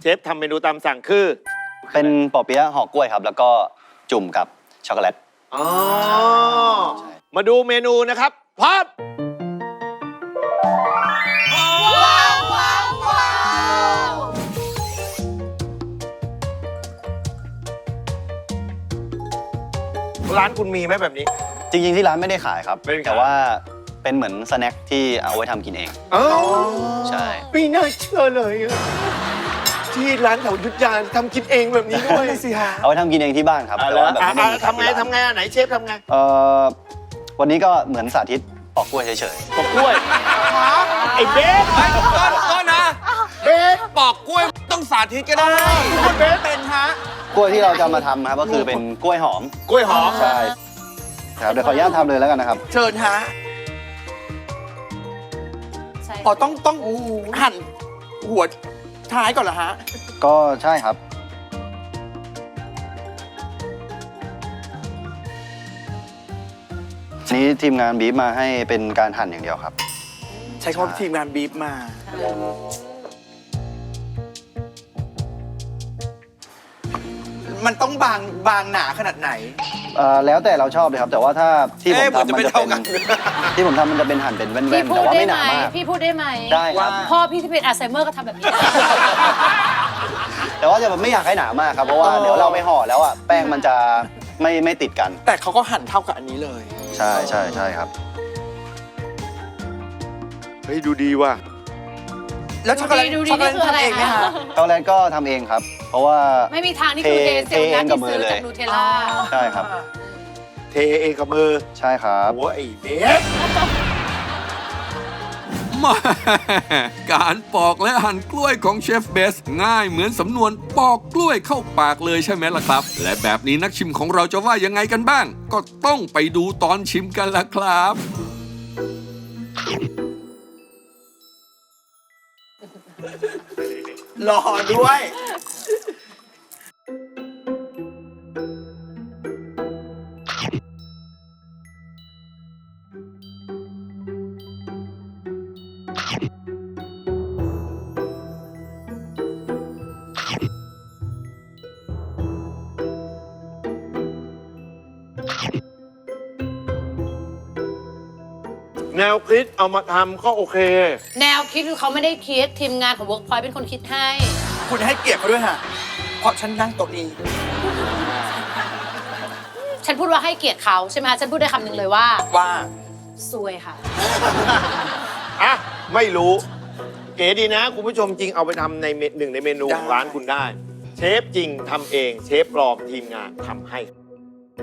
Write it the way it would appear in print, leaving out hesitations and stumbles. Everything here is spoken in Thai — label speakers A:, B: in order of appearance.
A: ฟทำเมนูตามสั่งคือ
B: เป็นปอเปี๊ยะห่อกล้วยครับ แล้วก็จุ่มกับช็อกโกแลต
A: อ๋อมาดูเมนูนะครับพร้อมร้านคุณมีไหมแบบนี้
B: จริงๆที่ร้านไม่ได้ขายครับแต่ว่าเป็นเหมือนสแน็คที่เอาไว้ทำกินเองใช่
A: ไม่น่าเชื่อเลยที่ร้านแถวยุทธยาทำกินเองแบบนี้ด้วยสิฮะ
B: เอาไว้ทำกินเองที่บ้านครับแต่ว่าแบบไม่
A: ทำไงไหนเชฟทำไง
B: วันนี้ก็เหมือนสาธิตปอกกล้วยเฉย
A: ๆปอกกล้วยไอ้เบส
C: ก็นะ
A: เบส
C: ปอกกล้วยต้องสาธิตก็ได้
A: คุณเบสเป็นฮะ
B: กล้วยที่เราจะมาทำครับก็คือเป็นกล้วยหอมใช่ครับเดี๋ยวขออนุญาตทำเลยแล้วกันนะครับ
C: เชิญฮะอ๋อต้องหั่นหัวท้ายก่อนเหรอฮะ
B: ก็ใช่ครับนี้ทีมงานบีบมาให้เป็นการหั่นอย่างเดียวครับ
C: ใช้คำว่าทีมงานบีบมามันต้องบางหนาขนาดไหน
B: แล้วแต่เราชอบเลยครับแต่ว่าถ้าที่ผมทำมันจะเป็นที่ผมทำมันจะเป็นหั่นเป็นแว่นๆแต่ว่าไม่หนามาก
D: พี่พูดได้ไหม
B: ได้ครับ
D: พ่อพี่ที่เป็นอัลไซเมอร์ก็ทำแบบนี้
B: แต่ว่าจะไม่อยากให้หนามากครับเพราะว่าเดี๋ยวเราไปห่อแล้วอ่ะแป้งมันจะไม่ติดกัน
C: แต่เขาก็หั่นเท่ากับอันนี้เลย
B: ใช่ครับ
A: เฮ้ยดูดีว่ะ
C: แล้วช็อกโกแลตทำเองไหมคะ
B: ช็อกโกแลตก็ทำเองครับเพราะว่า
D: ไม่มีทางที่คือเทเองกับมือเลยนูเทลล่า
B: ใช่ครับ
A: เทเองกับมือ
B: ใช่ครับ
A: โอ้ยเบส
E: มาการปอกและหั่นกล้วยของเชฟเบสง่ายเหมือนสำนวนปอกกล้วยเข้าปากเลยใช่ไหมล่ะครับและแบบนี้นักชิมของเราจะว่ายังไงกันบ้างก็ต้องไปดูตอนชิมกันละครับ
C: รอด้วย
A: แนวคิดเอามาทำก็โอเค
D: แนวคิดคือเขาไม่ได้คิดทีมงานของ Workpoint เป็นคนคิดให้
C: คุณให้เกียรติเขาด้วยค่ะเพราะฉันนั่งโต๊ะนี้
D: ฉันพูดว่าให้เกียรติเขาใช่ไหมฉันพูดได้คำหนึ่งเลยว่าซวยค่ะ
A: อ่ะไม่รู้เก๋ดีนะคุณผู้ชมจริงเอาไปทำในหนึ่งในเมนูของร้านคุณได้เชฟจริงทำเองเชฟปลอมทีมงานทำให้